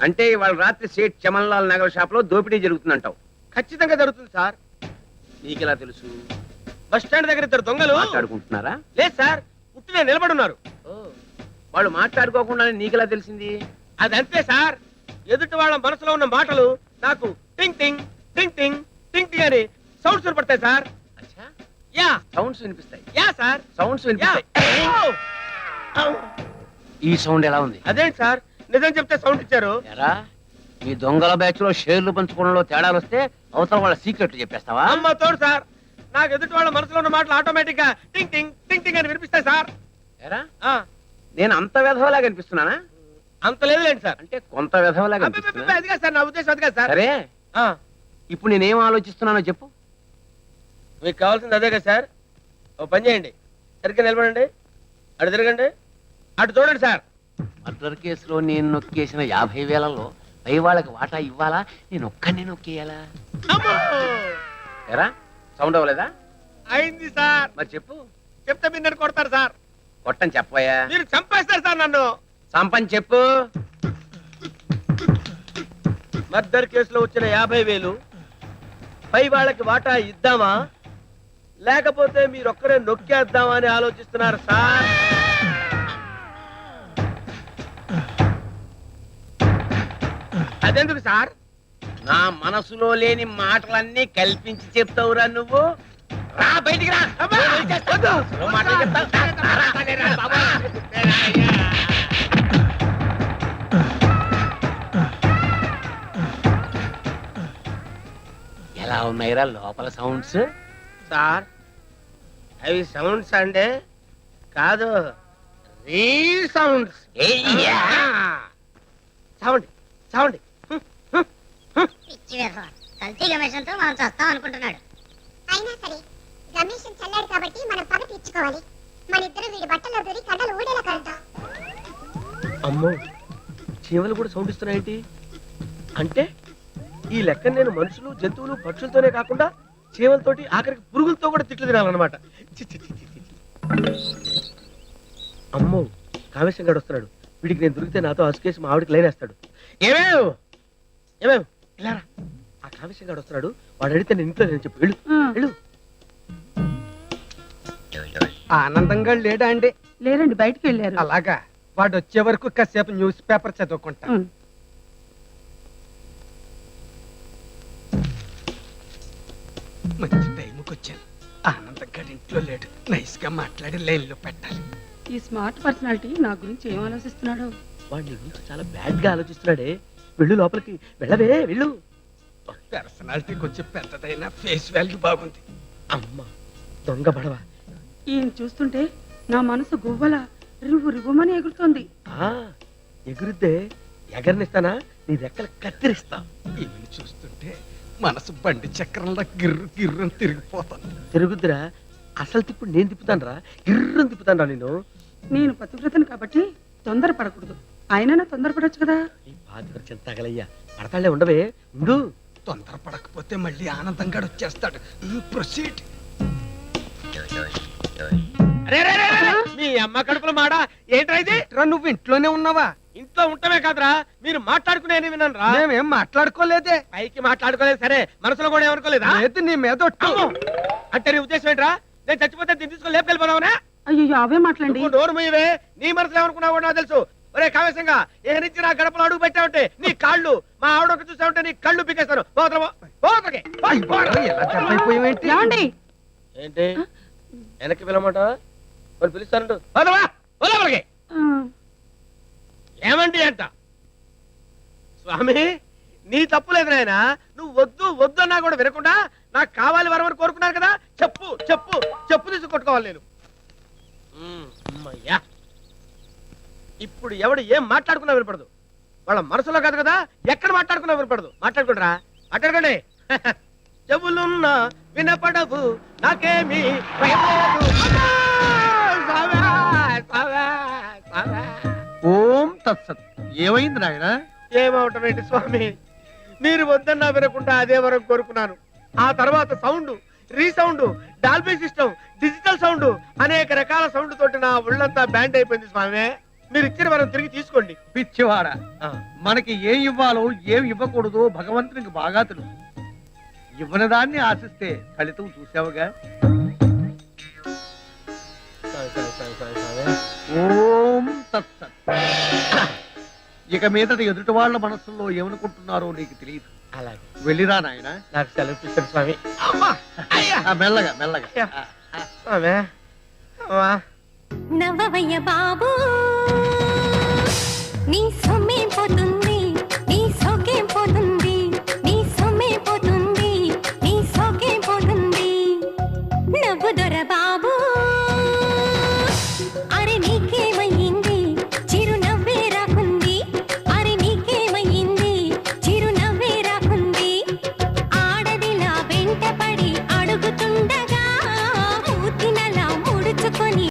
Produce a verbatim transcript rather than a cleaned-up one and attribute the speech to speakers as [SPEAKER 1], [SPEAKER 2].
[SPEAKER 1] అంటే ఇవాళ రాత్రి సేట్ చమన్లాల్ నగర్ షాప్ లో దోపిడీ జరుగుతుందంటావు?
[SPEAKER 2] ఖచ్చితంగా జరుగుతుంది సార్.
[SPEAKER 1] నీకెలా తెలుసు?
[SPEAKER 2] బస్ స్టాండ్ దగ్గర ఇద్దరు దొంగలు
[SPEAKER 1] మాట్లాడుకుంటున్నారా?
[SPEAKER 2] లేదు సార్, ఉట్టినే నిలబడున్నారు.
[SPEAKER 1] వాళ్ళు మాట్లాడుకోకుండా నీకెలా తెలిసింది?
[SPEAKER 2] అది అంతే సార్, ఎదుటి వాళ్ళ మనసులో ఉన్న మాటలు నాకు టింగ్ టింగ్ టింగ్ టింగ్ టింగ్ టింగ్ అని సౌండ్స్ వినపడతాయి సార్.
[SPEAKER 1] అచ్చా,
[SPEAKER 2] యా
[SPEAKER 1] సౌండ్స్ వినిపిస్తాయి.
[SPEAKER 2] యా సార్,
[SPEAKER 1] సౌండ్స్ వినిపిస్తాయి. ఈ సౌండ్ ఎలా ఉంది?
[SPEAKER 2] అదేంటి సార్, నిజం చెప్తే సౌండ్ ఇచ్చారు.
[SPEAKER 1] ఎరా, మీ దొంగల బ్యాచ్ లో షేర్లు పంచుకోవడంలో తేడాలు వస్తే అవసరం వాళ్ళ సీక్రెట్లు చెప్పేస్తావా?
[SPEAKER 2] అమ్మ తోడు సార్, నాకు ఎదుటి వాళ్ళ మనసులో ఉన్న మాటలు ఆటోమేటిక్ గా టింగ్ టింగ్ టింగ్ టింగ్ అని వినిపిస్తాయి సార్.
[SPEAKER 1] ఎరా, నేను అంత వెధవలా కనిపిస్తున్నానా?
[SPEAKER 2] అంత లేదులేండి సార్.
[SPEAKER 1] అంటే కొంత వెధవలా కనిపిస్తున్నా.
[SPEAKER 2] అదిగా సార్ నా ఉద్దేశం, అదిగా సార్.
[SPEAKER 1] సరే, ఇప్పుడు నేనేం ఆలోచిస్తున్నానో చెప్పు.
[SPEAKER 2] మీకు కావాల్సింది అదే కదా సార్. ఓ పని చేయండి, సరిగ్గా నిలబడండి, అటు తిరగండి, అటు చూడండి సార్.
[SPEAKER 1] మర్డర్ కేసులో నేను నొక్కేసిన యాభై వేలలో పై వాళ్ళకి వాటా ఇవ్వాలా, నేను ఒక్కడిని నొక్కేయాలా? ఎరా, సౌండ్ అవ్వలేదా?
[SPEAKER 2] అయింది సార్.
[SPEAKER 1] మరి చెప్పు.
[SPEAKER 2] చెప్తే మీరు నన్ను కొడతారు సార్.
[SPEAKER 1] కొట్టని చెప్పయా?
[SPEAKER 2] మీరు చంపేస్తారు సార్ నన్ను.
[SPEAKER 1] సంపని చెప్పు.
[SPEAKER 2] మర్డర్ కేసులో వచ్చిన యాభై వేలు పై వాళ్ళకి వాటా ఇద్దామా, లేకపోతే మీరొక్కరే నొక్కేద్దామా అని ఆలోచిస్తున్నారు సార్. అదెందుకు సార్?
[SPEAKER 1] నా మనసులో లేని మాటలన్నీ కల్పించి చెప్తావురా నువ్వు. రా బయటికి రా. నువ్వు మాటలు చెప్తావు. ఎలా ఉన్నాయిరా లోపల సౌండ్స్?
[SPEAKER 2] సార్, అవి సౌండ్స్ అంటే కాదు, రీ సౌండ్స్. సౌండ్ సౌండ్
[SPEAKER 3] పిచ్చి వేధవ. కల్తీ గమేషంతో మనం చస్తాం అనుకుంటున్నాడు.
[SPEAKER 4] అయినా సరే గమేషం చల్లాడు కాబట్టి మనం పగ తీర్చుకోవాలి. మన ఇద్దరు వీడి బట్టల్లో దూరి కడ్డలు ఊడేలా కలుద్దాం.
[SPEAKER 2] అమ్మో, చీమలు కూడా సౌండ్ ఇస్తున్నాయేంటి? అంటే ఈ లెక్క నేను మనుషులు, జంతువులు, పక్షులతోనే కాకుండా చీమలతోటి, ఆఖరికి పురుగులతో కూడా తిట్లు తినాలన్నమాట. అమ్మో, కామేశం గడు వస్తున్నాడు. వీడికి నేను దొరికితే నాతో అసుకేసి మా ఆవిడికి లైన్ వేస్తాడు. ఏమేవ్ ఏమేవ్ ఇలారా, ఆ కామేశం గడు వస్తున్నాడు. వాడు అడిగితే నేను ఇంట్లో నేను చెప్పు. వెళ్ళు వెళ్ళు.
[SPEAKER 5] ఆనందంగా లేడా అండి?
[SPEAKER 6] లేరండి, బయటికి వెళ్ళారు.
[SPEAKER 5] అలాగా, వాడు వచ్చే వరకు కాసేపు న్యూస్ పేపర్ చదువుకుంటా. మంచి టైంకి వచ్చాను. ఆనందంగా ఇంట్లో లేడు. నైస్ గా మాట్లాడి లైన్ లో పెట్టాలి.
[SPEAKER 6] ఈ స్మార్ట్ పర్సనాలిటీ నా గురించి ఏం ఆలోచిస్తున్నాడు?
[SPEAKER 2] వాడి నీ గురించి చాలా బ్యాడ్ గా ఆలోచిస్తున్నాడే. వెళ్ళు లోపలికి, వెళ్ళవే వెళ్ళు.
[SPEAKER 5] పర్సనాలిటీ కొంచెం పెద్దదైనా ఫేస్ వాల్యూ బాగుంది.
[SPEAKER 2] అమ్మ దొంగ పడవ.
[SPEAKER 6] ఈయన చూస్తుంటే నా మనసు గువ్వల రివ్వు రివ్వుమని ఎగురుతోంది.
[SPEAKER 2] ఆ ఎగురుద్దే, ఎగరనిస్తానా? నీ రెక్కలు కత్తిరిస్తా.
[SPEAKER 5] ఈమెను చూస్తుంటే మనసు బండి చక్రంలో గిర్రు గిర్రు తిరిగిపోతాను.
[SPEAKER 2] తిరుగుద్దురా, అసలు తిప్పుడు నేను తిప్పుతాను రా, గిర్రం తిప్పుతాను రా నేను.
[SPEAKER 6] నేను పతివ్రతను కాబట్టి తొందర పడకూడదు. ఆయనైనా తొందరపడొచ్చు కదా.
[SPEAKER 2] ఈ పాతి తగలయ్యా, పడతాళ్లే ఉండవే, ఉండు.
[SPEAKER 5] తొందర పడకపోతే మళ్ళీ ఆనందంగా వచ్చేస్తాడు. ప్రొసీడ్.
[SPEAKER 2] మీ అమ్మ కడుపులో మాడా ఏంట్రా ఇది?
[SPEAKER 5] నువ్వు ఇంట్లోనే ఉన్నావా?
[SPEAKER 2] ఇంట్లో ఉంటమే కాదురా, మీరు మాట్లాడుకునే విన్నాను రా.
[SPEAKER 5] మేమేం మాట్లాడుకోలేదే.
[SPEAKER 2] పైకి మాట్లాడుకోలేదు సరే, మనసులో కూడా ఏమనుకోలేదా?
[SPEAKER 5] లేదు, నీ మీద ఒట్టు.
[SPEAKER 2] అంటే నీ ఉద్దేశం ఏంట్రా? నేను చచ్చిపోతే దీన్ని తీసుకొని లేపుకెళ్ళిపోదావునా?
[SPEAKER 6] అయ్యో అవే మాట్లాడండి.
[SPEAKER 2] నోరు మూయవే. నీ మనసులో ఏమనుకున్నావు కూడా నాకు తెలుసు. ఒరే కావేశంగా, ఏ నుంచి నా గడపలో అడుగు పెట్టావంటే నీ కాళ్ళు, మా ఆవిడ ఒక చూసావంటే నీ కళ్ళు పీకేస్తాను.
[SPEAKER 6] ఏమండి?
[SPEAKER 2] ఏంటి వెనక్కి పిలవమాట? వాళ్ళు పిలుస్తానంటు ఏమండి అంట. స్వామి, నీ తప్పులేదు నాయన. నువ్వు వద్దు వద్దు అన్నా కూడా వినకుండా నాకు కావాలి వరమని కోరుకున్నాను కదా. చెప్పు చెప్పు చెప్పు తీసి కొట్టుకోవాలి నేను. అమ్మయ్యా, ఇప్పుడు ఎవడు ఏం మాట్లాడుకున్నా వినపడదు. వాళ్ళ మనసులో కాదు కదా, ఎక్కడ మాట్లాడుకున్నా వినపడదు. మాట్లాడుకుంటారా? మాట్లాడుకోండి. చెవులున్నా వినపడవు నాకేమి
[SPEAKER 5] ఓం తత్సత్. ఏమైంది నాయన?
[SPEAKER 2] ఏమవటం ఏంటి స్వామి, మీరు వద్దన్నా వినకుండా అదే వరకు కోరుకున్నాను. ఆ తర్వాత sound, resound, Dolby system, digital sound, అనేక రకాల సౌండ్ తోటి నా ఒళ్ళంతా బ్యాండ్ అయిపోయింది స్వామి. మీరు ఇచ్చిన వరం తిరిగి తీసుకోండి.
[SPEAKER 7] పిచ్చివాడ,
[SPEAKER 2] ఆ,
[SPEAKER 7] మనకి ఏం ఇవ్వాలో ఏం ఇవ్వకూడదో భగవంతునికి బాగా తెలుసు. ఇవ్వని దాన్ని ఆశిస్తే ఫలితం చూసావుగా.
[SPEAKER 2] సరే, సరే, సరే, సరే, సరే.
[SPEAKER 7] ఓం తత్సత్. ఇక మీదట ఎదుటి వాళ్ళ మనస్సుల్లో ఏమనుకుంటున్నారో నీకు తెలియదు.
[SPEAKER 2] అలాగే
[SPEAKER 7] వెళ్ళిరా నాయన.
[SPEAKER 2] నాకు సెలవు ఇప్పించండి స్వామి. అమ్మా, అయ్యా,
[SPEAKER 7] మెల్లగా మెల్లగా. ఆ, ఆ.
[SPEAKER 2] స్వామి, అమ్మా.
[SPEAKER 8] నవ్వవయ్య బాబు నీ సొమ్మే